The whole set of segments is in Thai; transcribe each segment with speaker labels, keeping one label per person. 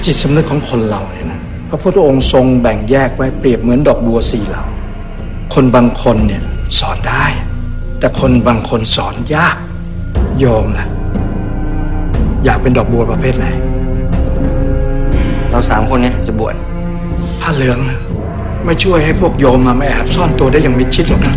Speaker 1: จิตสำนึกของคนเราเนี่ยนะพระพุทธองค์ทรงแบ่งแยกไว้เปรียบเหมือนดอกบัว4เหล่าคนบางคนเนี่ยสอนได้ แต่คนบางคนสอนยากโยมล่ะอยากเป็นดอกบัวประเภทไหน
Speaker 2: เรา3 คนเนี่ยจะบวช
Speaker 1: ผ้าเหลืองไม่ช่วยให้พวกโยมมาแอบซ่อนตัวได้อย่างมิดชิดหรอกนะ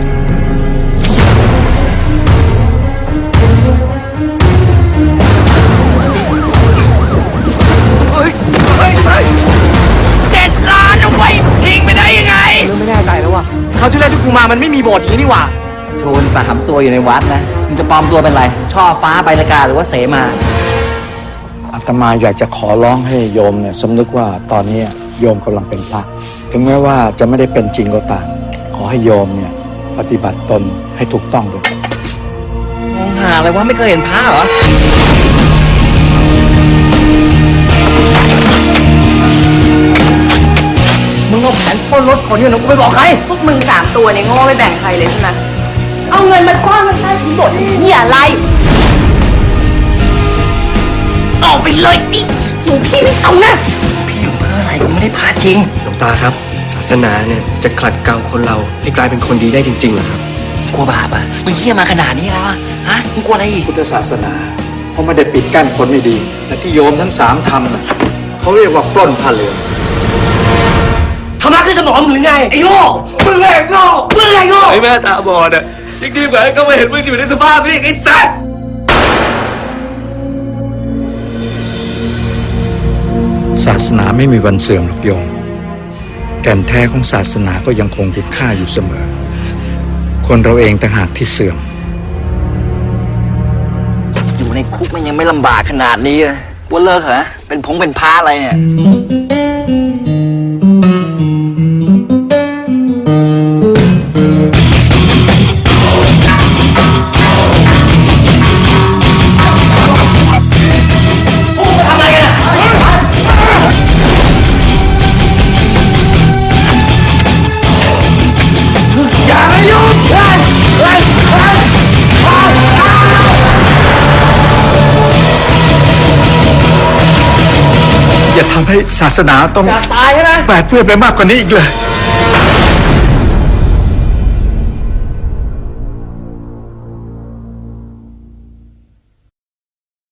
Speaker 3: 7 ล้านเอาไว้ทิ้งไปได้ยังไง
Speaker 2: ไม่แน่ใจแล้วว่ะเขาที่แรกที่กูมามันไม่มีโบสถ์อย่างนี้นี่หว่าโชน3 ตัวอยู่ในวัดนะมึงจะปลอมตัวเป็นอะไรช่อฟ้าใบละกาหรือว่าเสมา
Speaker 1: อาตมาอยากจะขอร้องให้โยมเนี่ยสำนึกว่าตอนนี้โยมกำลังเป็นพระถึงแม้ว่าจะไม่ได้เป็นจริงก็ตามขอให้โยมเนี่ยปฏิบัติตนให้ถูกต้องด้วย
Speaker 2: มองหาอะไรวะไม่เคยเห็นพระเหรอมึงเอาแผนปล้นรถคนนี้นะกูไปบอกใคร
Speaker 4: พวกมึง3 ตัวเนี่ยโง่ไม่แบ่งใครเลยใช่ไหมเอาเงินมาซ่อนมันใต้ถุนโบสถ์เหี้ยอะไร
Speaker 3: ออกไปเลยนี่
Speaker 4: หนูพี่ไม่เอานะ
Speaker 2: พี่อยู่เพื่ออะไรกูไม่ได้พาจริง
Speaker 5: หลวงตาครับศาสนาเนี่ยจะขัดเกลาคนเราให้กลายเป็นคนดีได้จริงๆเหรอครับ
Speaker 2: กลัวบาปอ่ะมึงเหี้ยมาขนาดนี้แล้วฮะมึงกลัวอะไรอีก
Speaker 1: พุทธศาสนาเขาไม่ได้ปิดกั้นคนไม่ดีแต่ที่โยมทั้ง3ทำน่ะเขาเรียกว่าปล้นผ้าเหลือง
Speaker 3: ทำร้ายขึ้นสมองมึงหรือไงไอ้โง่มึงไงโง่มึงไงโง่
Speaker 5: ไอ้แม่ตาบอดอ่ะยิ่งดีกว่าก็ไม่เห็นมึงอยู่ในสภาพนี้ไอ้สัส
Speaker 1: ศาสนาไม่มีวันเสื่อมหรอกโยมแก่นแท้ของศาสนาก็ยังคงคุณค่าอยู่เสมอคนเราเองต่างหากที่เสื่อม
Speaker 2: อยู่ในคุกมันยังไม่ลำบากขนาดนี้เลยว่าเลิกเหรอเป็นพระอะไรเนี่ย
Speaker 1: อย่าทำให้ศาสนาต้อง
Speaker 2: ตายใช่ไหม
Speaker 1: แปดเปื้อนไปมากกว่านี้อีกเลย